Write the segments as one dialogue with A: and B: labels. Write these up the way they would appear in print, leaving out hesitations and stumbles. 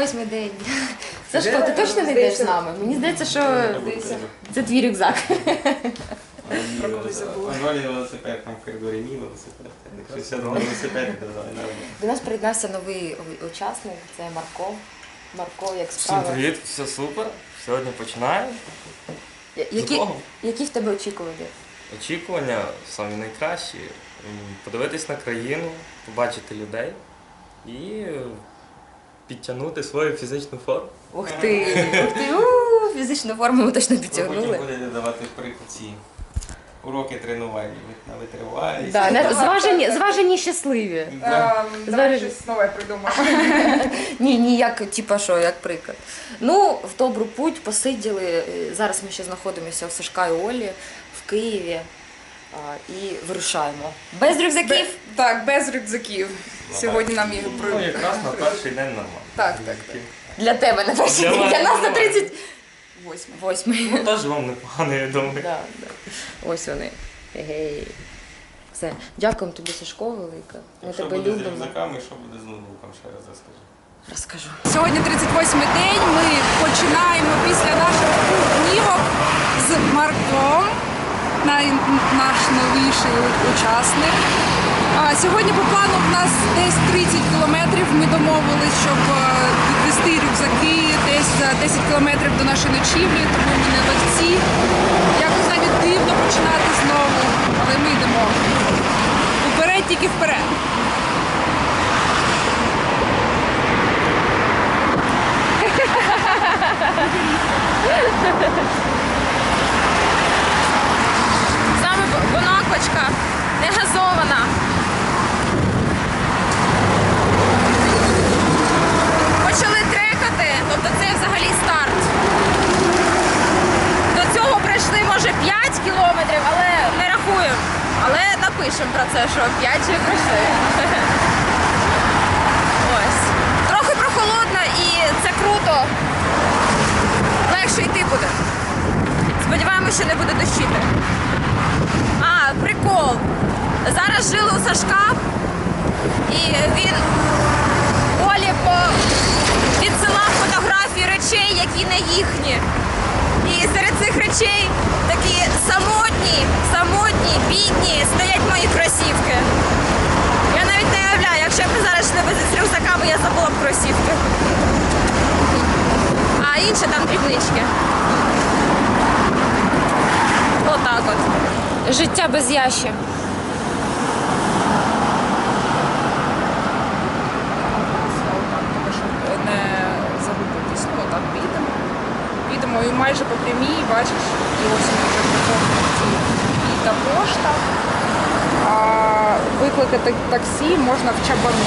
A: 38-й день. Сашко, ти точно не йдеш з нами? Мені здається, що це твій рюкзак.
B: Анвалі велосипед, там в коридорі мій велосипед. Якщо сяду на велосипед, то давай.
A: До нас приєднався новий учасник, це Марко. Марко, як справи?
C: Всім привіт, все супер. Сьогодні починаємо.
A: Які в тебе очікування?
C: Очікування самі найкращі. Подивитись на країну, побачити людей і підтягнути свою фізичну форму.
A: Ух ти! Фізичну форму ми точно підтягнули.
B: Потім будете давати ці уроки тренувальні на витривалість.
A: Да, зважені щасливі.
D: Давай щось нове придумаємо.
A: Ні, як, типа що, як приклад. Ну, в добру путь посиділи. Зараз ми ще знаходимося в Сашка і Олі в Києві і вирушаємо. Без рюкзаків?
D: Так, без рюкзаків. Сьогодні нам їх
C: Ну, якраз на перший день нормально.
D: Так.
A: Для тебе на перший день, для нас на 38-й.
C: Ну, теж вам непогано, я думаю.
A: Да. Ось вони. Гей. Все. Дякуємо тобі, Сашко, велике. Ми
B: Що
A: тебе
B: буде з
A: любимо.
B: рюкзаками, що буде з ноутбуком, ще раз розкажу.
A: Розкажу.
D: Сьогодні 38-й день. Ми починаємо після наших днівок з Марком, наш новіший учасник. Сьогодні по плану в нас десь 30 кілометрів. Ми домовились, щоб відвести рюкзаки десь за 10 кілометрів до нашої ночівлі, тому ми не легці. Якось навіть дивно починати знову, але ми йдемо. Уперед, тільки вперед.
A: Саме бонаквочка, не газована. Почали трекати, тобто це взагалі старт. До цього пройшли, може, 5 кілометрів, але не рахуємо. Але напишемо про це, що 5 вже пройшли. Ось. Трохи прохолодно і це круто. Легше йти буде. Сподіваємося, що не буде дощити. Прикол. Зараз жили у Сашка, і він Олі відсилав фотографії речей, які не їхні. І серед цих речей такі самотні, бідні, стоять мої кросівки. Я навіть не уявляю, якщо б ми зараз йшли з рюкзаками, я забула б кросівки. А інші там дрібнички. Отак от. Життя без Яші.
D: Не загубитись. Ну, так, підемо і майже по прямій, бачиш, і ось ми вже приходимо і та пошта. А викликати таксі можна в Чабану.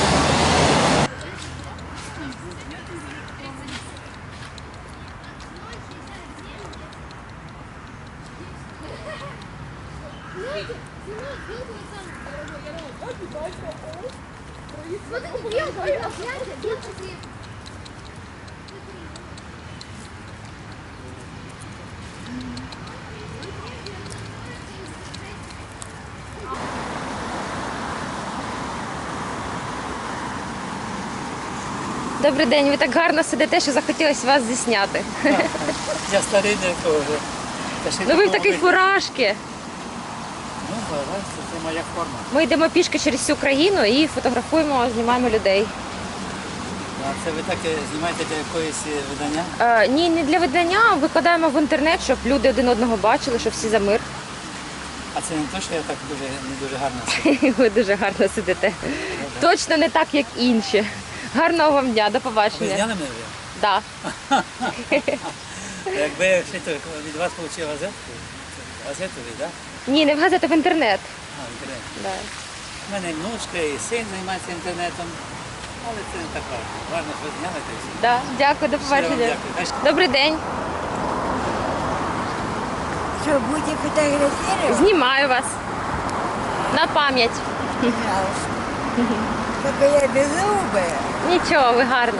A: Добрий день, ви так гарно сидите, що захотілося вас зісняти.
E: Я старий не теж.
A: Ну ви в такій фуражці.
E: Ну, це моя форма.
A: Ми йдемо пішки через всю країну і фотографуємо, знімаємо людей.
E: А це ви так знімаєте для якоїсь видання?
A: Ні, не для видання, а викладаємо в інтернет, щоб люди один одного бачили, щоб всі за мир.
E: А це не те, що я так не дуже гарно сиджу.
A: Ви дуже гарно сидите. Точно не так, як інші. Гарного вам дня, до
E: Ви
A: побачення.
E: зняли мене вже?
A: Да.
E: Якби я ще від вас отримав газету, так?
A: Ні, не в газету, в інтернет.
E: А, інтернет.
A: Да.
E: У мене внучка і син займається інтернетом, але це не так важливо. Важно, що ви зняли та й все.
A: Да. Дякую, до
E: Щиро вам
A: побачення.
E: дякую.
A: Добрий день.
F: Что, будете фотографировать?
A: Знімаю вас. На пам'ять.
F: Пожалуйста. Только я беззубая.
A: Нічого, ви гарна.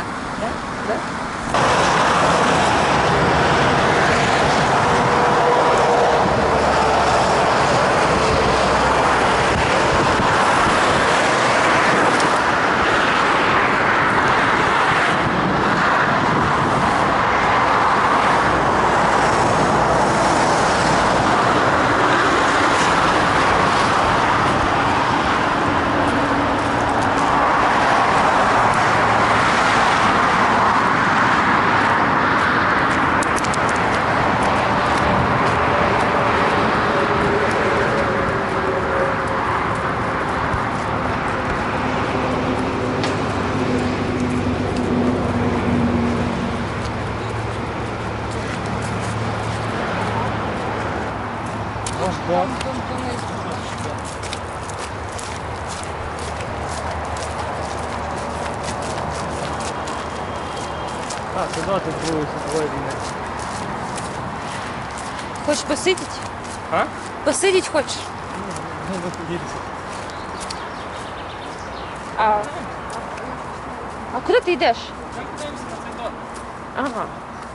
C: Ого. А, туди ти Другої світової війни.
A: Хочеш посидіти?
C: А?
A: Посидіти хочеш?
C: Ну, не поділися.
A: А куди ти йдеш? Ага.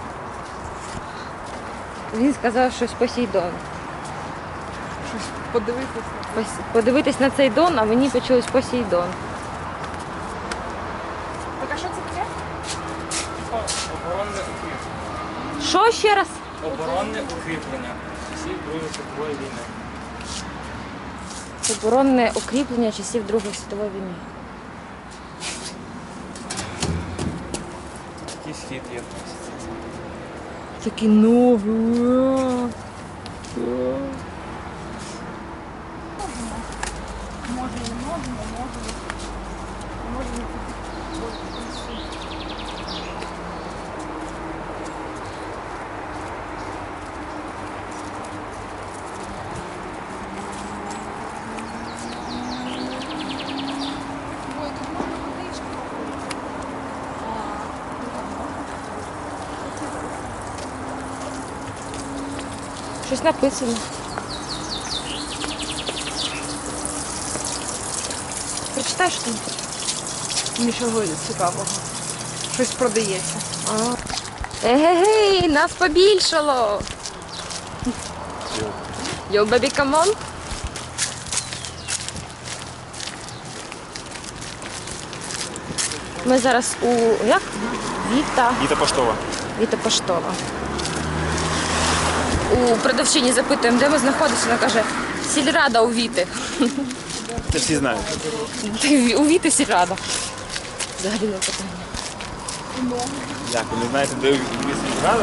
A: Він сказав щось Посейдон.
D: Щось подивитися.
A: Подивитись на цей дон, а мені почулось Посейдон.
D: Так, а що це таке?
C: Оборонне укріплення.
A: Що ще раз?
C: Оборонне укріплення часів Другої світової війни.
A: Оборонне укріплення часів Другої світової війни.
C: Такий схід є.
A: Такі ноги. Щось написано. Прочитай, що там.
D: Нічого цікавого. Щось продається.
A: Егегей, нас побільшало. Йо, бебі, камон. Ми зараз у як?
B: Віта поштова.
A: Віта Поштова. У продавчині запитуємо, де ми знаходимося. Вона каже, сільрада у Віти.
B: Це всі знають.
A: У Віти сільрада. Взагалі не питання.
B: Як, ви не знаєте, де місце рада?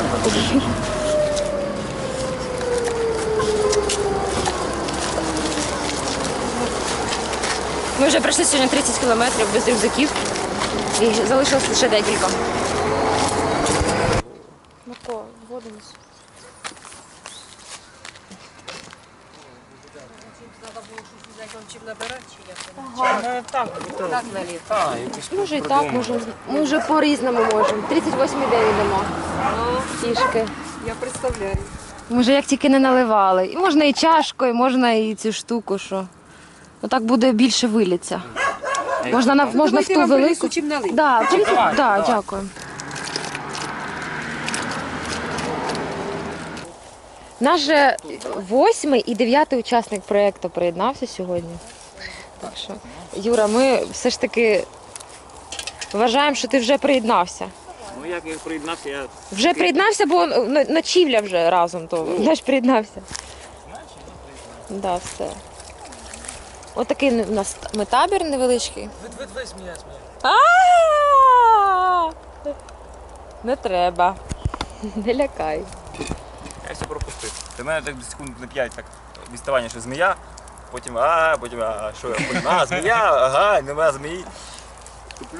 A: Ми вже пройшли сьогодні 30 кілометрів без рюкзаків. І залишилось лише декілька. Марко, воду несу. Може і так, може. Ми вже по-різному можемо. 38-й день йдемо. Тішки.
D: Я представляю.
A: Може, як тільки не наливали. І можна і чашкою, можна і цю штуку, що. Отак буде більше виліться. Можна в ту велику.
D: чим налити.
A: Да, дякую. Наш же 8-й і 9-й учасник проєкту приєднався сьогодні. Так що, Юра, ми все ж таки вважаємо, що ти вже приєднався.
B: Ну як я приєднався, я...
A: Вже приєднався, бо ночівля вже разом, то наш приєднався. Да, все. Отакий у нас ми табір невеличкий. А-а-а! Не треба. Не лякай.
B: Я все пропустив. Для мене так секунд на 5 так відставання, що змія, потім що я, потім змія, ага, нема змії. Туплю.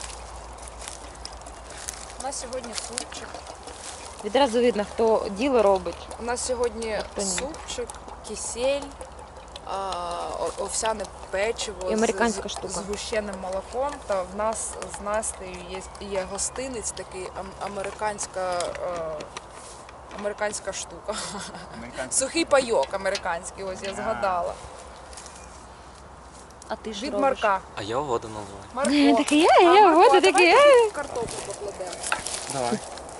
D: У нас сьогодні супчик.
A: Відразу видно, хто діло робить.
D: У нас сьогодні
A: Хто ні.
D: супчик, кисель, овсяне печиво
A: І американська штука.
D: з гущеним молоком. Та в нас з Настею є гостинець, такий американська штука. Сухий пайок американський, ось я згадала.
A: А ти ж
D: Від
A: робиш?
D: Марка.
C: А я воду наливаю.
D: Марко.
A: Такий,
D: Марко,
A: вот
D: а
A: такий.
D: давай картоплю покладемо.
C: Давай.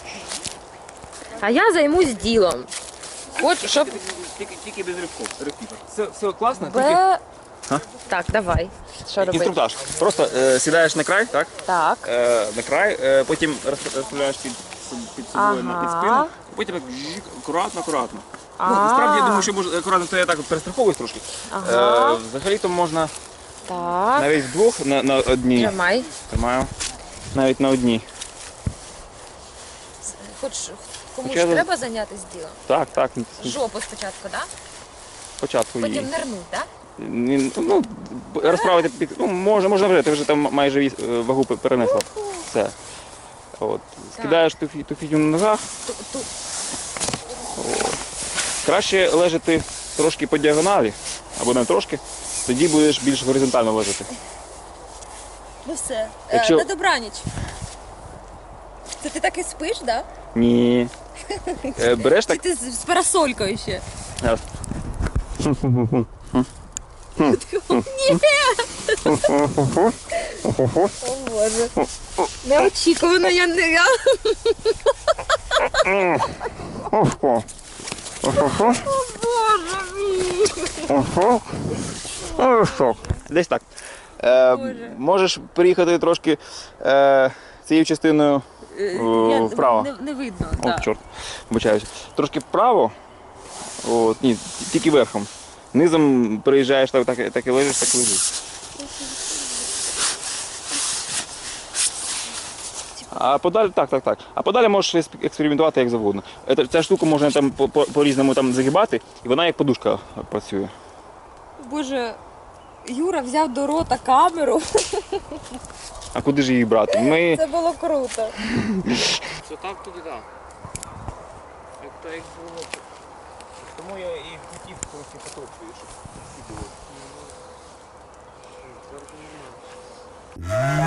A: А я займусь ділом. Хочу, щоб...
B: Тільки без ривків. Все класно,
A: Б... Так, давай. Що робити?
B: інструктаж. Просто сідаєш на край, так?
A: Так.
B: На край, потім розставляєш під собою під спину, потім так акуратно. Ну, насправді, я думаю, що може акуратно, то я так от перестраховуюсь трошки.
A: Ага.
B: Взагалі-то можна
A: Так.
B: навіть вдвох на одній.
A: Тримай.
B: Тримаю. Навіть на одній.
A: Хоч комусь
B: Я-
A: треба зайнятися ділом?
B: Так.
A: Жопу спочатку, так?
B: Спочатку її.
A: Потім нирнуть, так?
B: Ну, розправити під. Ну, можна вже, ти вже там майже вагу перенесла. Все. От. Скидаєш ту фігню на ногах. Краще лежати трошки по діагоналі, або не трошки, тоді будеш більш горизонтально лежати.
A: Ну все.
B: Якщо-
A: На добраніч. Це ти так і спиш, так? Да?
B: Ні. Береш
A: Чи
B: так.
A: ти з парасолькою ще?
B: Раз.
A: О Боже. Неочікувано, я не.
B: Десь так. Можеш приїхати трошки цією частиною вправо.
A: Не видно.
B: О,
A: Так.
B: чорт, вибачаюся. Трошки вправо. От, ні, тільки верхом. Низом приїжджаєш, так і лежиш, так лежиш. А подалі, так. А подалі можеш експериментувати як завгодно. Ця штука можна там по-різному там загибати, і вона як подушка працює.
A: Боже, Юра взяв до рота камеру.
B: А куди ж її брати? Ми...
A: Це було круто.
C: Що так, туди так. Як було.
B: Тому я і хотів трохи потопити, щоб всі було.